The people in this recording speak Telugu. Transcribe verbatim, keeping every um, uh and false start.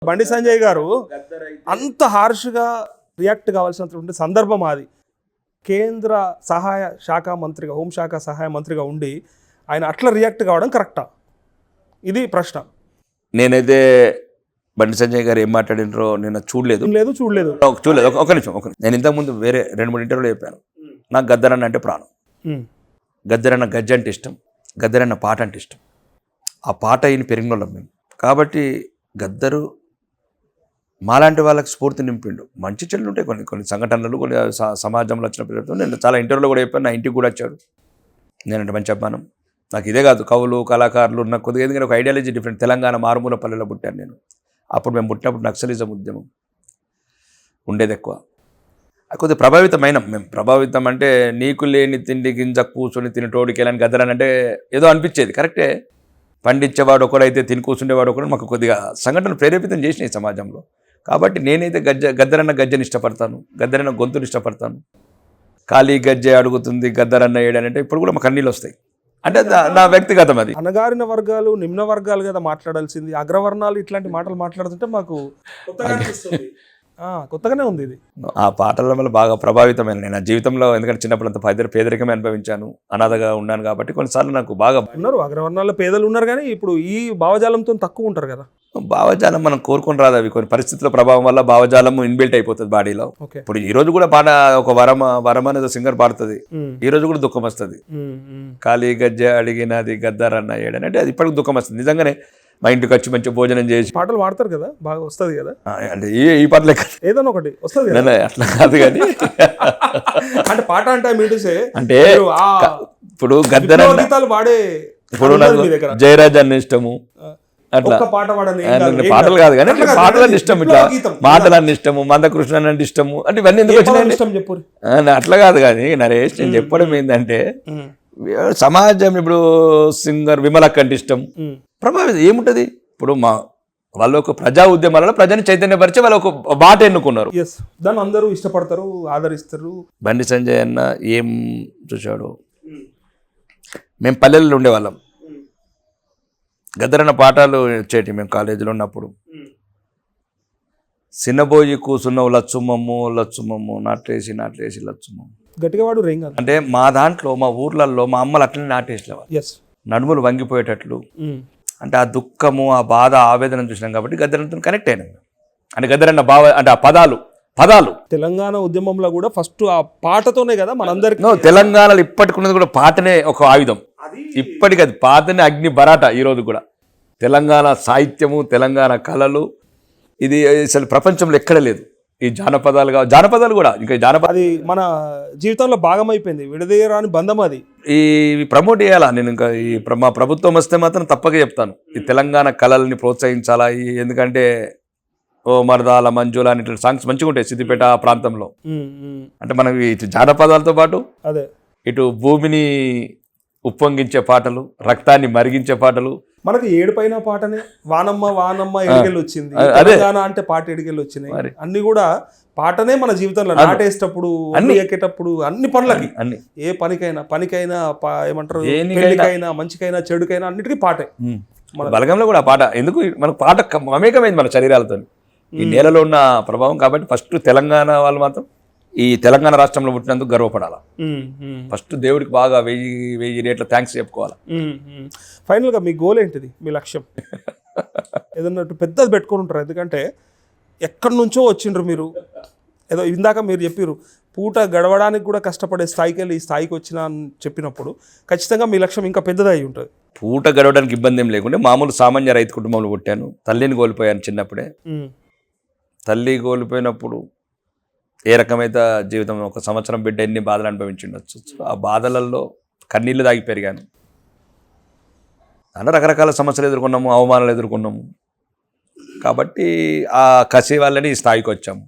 బండి సంజయ్ గారు అంత హార్ష్గా రియాక్ట్ కావాల్సినటువంటి సందర్భం అది. కేంద్ర సహాయ శాఖ మంత్రిగా, హోంశాఖ సహాయ మంత్రిగా ఉండి ఆయన అట్లా రియాక్ట్ కావడం కరెక్టా? ఇది ప్రశ్న. నేనైతే బండి సంజయ్ గారు ఏం మాట్లాడినరో నేను చూడలేదు లేదు చూడలేదు చూడలేదు ఒక నిమిషం ఒక నేను ఇంతకుముందు వేరే రెండు మూడు ఇంటర్వ్యూలో చెప్పాను. నాకు గద్దరన్న అంటే ప్రాణం. గద్దరన్న గజ్జ అంటే ఇష్టం, గద్దరన్న పాట అంటే ఇష్టం. ఆ పాట ఈయన పెరిగినోళ్ళం మేము. కాబట్టి గద్దరు మాలాంటి వాళ్ళకి స్ఫూర్తి నింపిండు. మంచి చెల్లు ఉంటాయి కొన్ని కొన్ని సంఘటనలు, కొన్ని సమాజంలో వచ్చిన పిల్లలతో. నేను చాలా ఇంటర్వ్యూలో కూడా చెప్పాను, నా ఇంటికి కూడా వచ్చాడు. నేనంటే మంచి అభిమానం. నాకు ఇదే కాదు, కవులు కళాకారులు నాకు కొద్దిగా ఎందుకంటే ఒక ఐడియాలజీ డిఫరెంట్. తెలంగాణ మారుమూల పల్లెలో పుట్టాను నేను. అప్పుడు మేము పుట్టినప్పుడు నక్సలిజం ఉద్యమం ఉండేది ఎక్కువ. కొద్దిగా ప్రభావితమైన మేము. ప్రభావితం అంటే నీకు లేని తిండి గింజ కూర్చొని తిని టోడికెళ్ళని గద్దరని అంటే ఏదో అనిపించేది. కరెక్టే, పండించేవాడు ఒకడైతే తిని కూర్చుండేవాడు ఒకడు మాకు కొద్దిగా సంఘటనలు ప్రేరేపితం చేసినాయి సమాజంలో. కాబట్టి నేనైతే గజ్జ గద్దరన్న గజ్జని ఇష్టపడతాను, గద్దరన్న గొంతుని ఇష్టపడతాను. ఖాళీ గజ్జె అడుగుతుంది గద్దరన్న ఏడనంటే ఇప్పుడు కూడా మాకు కన్నీళ్ళు వస్తాయి. అంటే నా వ్యక్తిగతం అది. అణగారిన వర్గాలు నిమ్న వర్గాలు కదా మాట్లాడాల్సింది, అగ్రవర్ణాలు ఇట్లాంటి మాటలు మాట్లాడుతుంటే మాకు కొత్తగానే ఉంది ఇది. ఆ పాటల వల్ల బాగా ప్రభావితమైన నేను నా జీవితంలో. ఎందుకంటే చిన్నప్పుడు అంత పేద పేదరికమే అనుభవించాను, అనాథగా ఉన్నాను. కాబట్టి కొన్నిసార్లు నాకు బాగా ఉన్నారు అగ్రవర్ణాల్లో పేదలు ఉన్నారు, కానీ ఇప్పుడు ఈ భావజాలంతో తక్కువ ఉంటారు కదా. భావజాలం మనం కోరుకొని రాదు. అవి కొన్ని పరిస్థితుల ప్రభావం వల్ల భావజాలం ఇన్బిల్ట్ అయిపోతుంది బాడీలో. ఇప్పుడు ఈ రోజు కూడా పాట ఒక వరమ వరమ అనేది సింగర్ పాడుతుంది, ఈ రోజు కూడా దుఃఖం వస్తుంది. ఖాళీ గజ్జె అడిగినది గద్దరన్న ఏడని అంటే అది ఇప్పటికి దుఃఖం వస్తుంది. నిజంగానే మా ఇంటికి వచ్చి మంచి భోజనం చేసి పాటలు పాడతారు కదా, బాగా వస్తుంది కదా. అంటే ఈ ఈ పాటలే ఏదైనా ఒకటి వస్తుంది, అట్లా కాదు కానీ అంటే పాట అంటే మీటూసే అంటే ఇప్పుడు గద్దరన్న గీతాలు పాడే. ఇప్పుడు నాకు జయరాజ్ అన్న ఇష్టము, అట్లా పాటలు కాదు కానీ పాటలని ఇష్టం, ఇట్లా మాటలన్నీ ఇష్టము, మందకృష్ణ అంటే ఇష్టము. అంటే ఇవన్నీ ఎందుకు వచ్చినాయి ఇష్టం చెప్పు. అట్లా కాదు కానీ నరేష్ నేను చెప్పడం ఏంటంటే సమాజం ఇప్పుడు సింగర్ విమలక్క అంటే ఇష్టం, ప్రభావితం ఏముంటది. ఇప్పుడు మా వాళ్ళు ఒక ప్రజా ఉద్యమాలలో ప్రజని చైతన్యపరిచి వాళ్ళు ఒక బాట ఎన్నుకున్నారు. దాన్ని అందరూ ఇష్టపడతారు, ఆదరిస్తారు. బండి సంజయ్ అన్న ఏం చూశాడు, మేము పల్లెల్లో ఉండేవాళ్ళం. గద్దరన్న పాఠాలు వచ్చేటి మేము కాలేజీలో ఉన్నప్పుడు. సిన్నబోయి కూసున్నావు లచ్చుమమ్ము లచ్చుమమ్ము, నాట్లేసి నాట్లేసి లచ్చుమమ్ము. గట్టిగా వాడు రేంగ్ అంటే మా దాంట్లో మా ఊర్లలో మా అమ్మలు అట్లనే నాటేసేవాళ్ళు, నడుములు వంగిపోయేటట్లు. అంటే ఆ దుఃఖము, ఆ బాధ, ఆవేదన చూసినాం కాబట్టి గద్దరన్నతో కనెక్ట్ అయినాం. అంటే గద్దరన్న బావ అంటే ఆ పదాలు పదాలు తెలంగాణ ఉద్యమంలో కూడా ఫస్ట్ ఆ పాటతోనే కదా మనందరికీ. తెలంగాణలో ఇప్పటికున్నది కూడా పాటనే ఒక ఆయుధం. ఇప్పటికి అది పాతనే అగ్ని బరాట. ఈరోజు కూడా తెలంగాణ సాహిత్యము, తెలంగాణ కళలు, ఇది అసలు ప్రపంచంలో ఎక్కడ లేదు. ఈ జానపదాలు కావు, జానపదాలు కూడా ఇంకా జానపద అది మన జీవితంలో భాగం అయిపోయింది, విడదీయరాని బంధం అది. ఈ ప్రమోట్ చేయాలా నేను ఇంకా ఈ మా ప్రభుత్వం వస్తే మాత్రం తప్పక చెప్తాను, ఈ తెలంగాణ కళల్ని ప్రోత్సహించాలా. ఎందుకంటే ఓ మరదాల మంజుల అని ఇట్లా సాంగ్స్ మంచిగా ఉంటాయి సిద్దిపేట ప్రాంతంలో. అంటే మనం ఇటు జానపదాలతో పాటు అదే ఇటు భూమిని ఉప్పొంగించే పాటలు, రక్తాన్ని మరిగించే పాటలు. మనకి ఏడు పైన పాటనే వానమ్మ వానమ్మ ఎడికెళ్ళి వచ్చింది, తెలంగాణ అంటే పాట ఎడికెళ్ళి వచ్చినాయి. అన్ని కూడా పాటనే మన జీవితంలో నాటేసేటప్పుడు, అన్ని ఎక్కేటప్పుడు, అన్ని పనులకి, అన్ని ఏ పనికైనా పనికైనా ఏమంటారు, పెళ్లికైనా మంచికైనా చెడుకైనా అన్నిటికీ పాటే. మన బలగంలో కూడా పాట ఎందుకు, మనకు పాట మమేకమైంది మన శరీరాలతో, ఈ నేలలో ఉన్న ప్రభావం. కాబట్టి ఫస్ట్ తెలంగాణ వాళ్ళు మాత్రం ఈ తెలంగాణ రాష్ట్రంలో పుట్టినందుకు గర్వపడాలి. ఫస్ట్ దేవుడికి బాగా వెయ్యి వెయ్యి రేట్ల థ్యాంక్స్ చెప్పుకోవాలి. ఫైనల్గా మీ గోల్ ఏంటిది, మీ లక్ష్యం? ఏదన్నా పెద్దది పెట్టుకొని ఉంటారు, ఎందుకంటే ఎక్కడి నుంచో వచ్చిండ్రు మీరు. ఏదో ఇందాక మీరు చెప్పారు పూట గడవడానికి కూడా కష్టపడే స్థాయికి వెళ్ళి ఈ స్థాయికి వచ్చిన అని చెప్పినప్పుడు ఖచ్చితంగా మీ లక్ష్యం ఇంకా పెద్దది అయి ఉంటుంది. పూట గడవడానికి ఇబ్బంది ఏం లేకుండా మామూలు సామాన్య రైతు కుటుంబంలో పుట్టాను. తల్లిని కోల్పోయాను చిన్నప్పుడే. తల్లి కోల్పోయినప్పుడు ఏ రకమైన జీవితం, ఒక సంవత్సరం బిడ్డ ఎన్ని బాధలు అనుభవించిండొచ్చు. ఆ బాధలలో కన్నీళ్లు దాగి పెరిగాను. అలా రకరకాల సమస్యలు ఎదుర్కొన్నాము, అవమానాలు ఎదుర్కొన్నాము. కాబట్టి ఆ కసి వాళ్ళని ఈ స్థాయికి వచ్చాము.